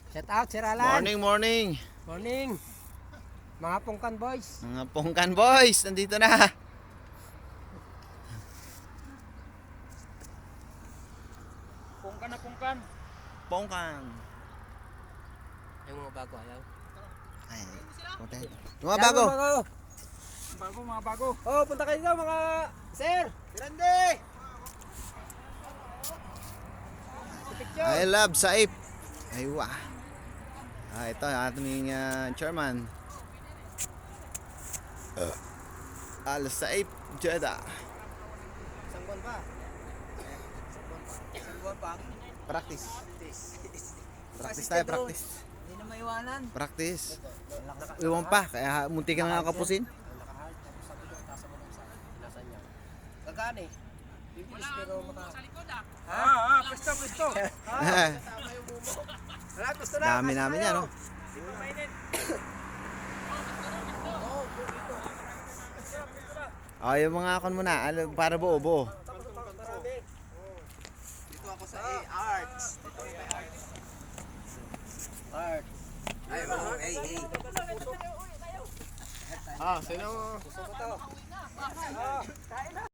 Shout out, Sir Alan. Morning, morning. Morning. Mga Pungkan boys. Mga Pungkan boys, nandito na. Pungkan na pungkan. Pungkan. Yung mga bago ayaw. Ay, punta. Yung mga bago. Bago, mga bago. Oh, punta kayo daw mga sir. Grande. I love Saip. Aywa. Ito ang ating chairman. Al Saip Jeddah. Isang buwan pa. Isang buwan pa. Practice. Practice tayo, practice. Hindi na maiwanan. Practice. Iwan pa, kaya munti ka na nakapusin. Gagani. Bibilis pero maka... Presto, presto. Wala, gusto na. Dami namin yan, no? Yung mga akon muna, para buo-buo. Dito ako sa Arts. Dito ako kay Arts. Ay, hey. Sino? Gusto ko to.